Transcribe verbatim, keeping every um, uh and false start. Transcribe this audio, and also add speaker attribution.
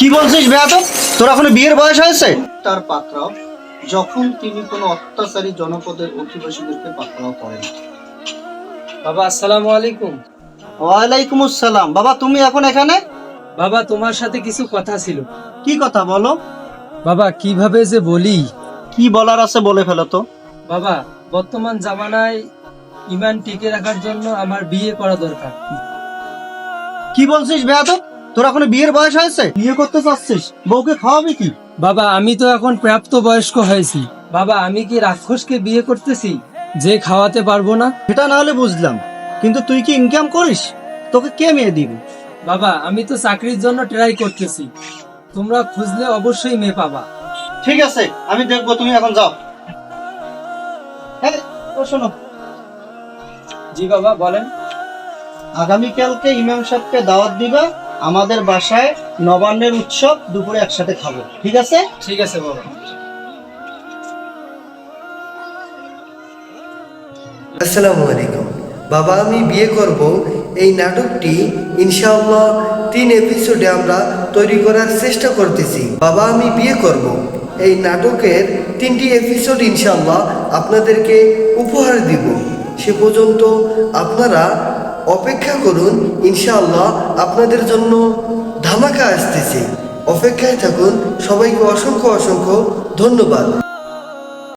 Speaker 1: কি বলছিস বেয়াদব? তোর এখনো বিয়ের বয়স হয়েছে? তার পাকড়াও যখন তিনি কোনো অত্যাচারী জনপদের অধিবাসীদেরকে পাকড়াও করেন।
Speaker 2: বাবা আসসালামু আলাইকুম।
Speaker 1: ওয়ালাইকুম আসসালাম। বাবা তুমি এখন এখানে?
Speaker 2: বাবা তোমার সাথে কিছু কথা ছিল।
Speaker 1: কি কথা বলো?
Speaker 2: বাবা কিভাবে যে বলি।
Speaker 1: কি বলার আছে বলে ফেলো তো।
Speaker 2: বাবা বর্তমান জামানায় ইমান টিকে রাখার জন্য আমার বিয়ে করা দরকার।
Speaker 1: কি বলছিস বেয়াদব? তোর এখনো বিয়ের বয়স হয়েছে? বিয়ে করতে চাচ্ছিস? বউকে খাওয়াবি কি?
Speaker 2: বাবা আমি তো এখন প্রাপ্ত বয়স্ক হয়েছি। বাবা আমি কি রাক্ষসকে বিয়ে করতেছি যে খাওয়াতে পারবো না?
Speaker 1: সেটা না হলে বুঝলাম, কিন্তু তুই কি ইনকাম করিস? তোকে কে মেয়ে দিবে?
Speaker 2: বাবা আমি তো চাকরির জন্য ট্রাই করতেছি, তোমরা খুঁজলে অবশ্যই মেয়ে পাবা।
Speaker 1: ঠিক আছে, আমি দেখবো, তুমি এখন যাও। হ্যাঁ ও শোনো,
Speaker 2: জি বাবা বলেন।
Speaker 1: আগামীকালকে ইমাম সাহেবকে দাওয়াত দিবা, আমাদের বাসায় নবান্নের উৎসব, দুপুরে একসাথে খাবো, ঠিক আছে?
Speaker 2: ঠিক আছে বাবা।
Speaker 3: আসসালামু আলাইকুম। বাবা আমি বিয়ে করব এই নাটকটি ইনশাআল্লাহ তিন এপিসোডে আমরা তৈরি করার চেষ্টা করতেছি। বাবা আমি বিয়ে করব এই নাটকের তিনটি এপিসোড ইনশাআল্লাহ আপনাদেরকে উপহার দিব। সে পর্যন্ত আপনারা অপেক্ষা করুন, ইনশাআল্লাহ আপনাদের জন্য ধামাকা আসতেছে। অপেক্ষায় থাকুন। সবাইকে অসংখ্য অসংখ্য ধন্যবাদ।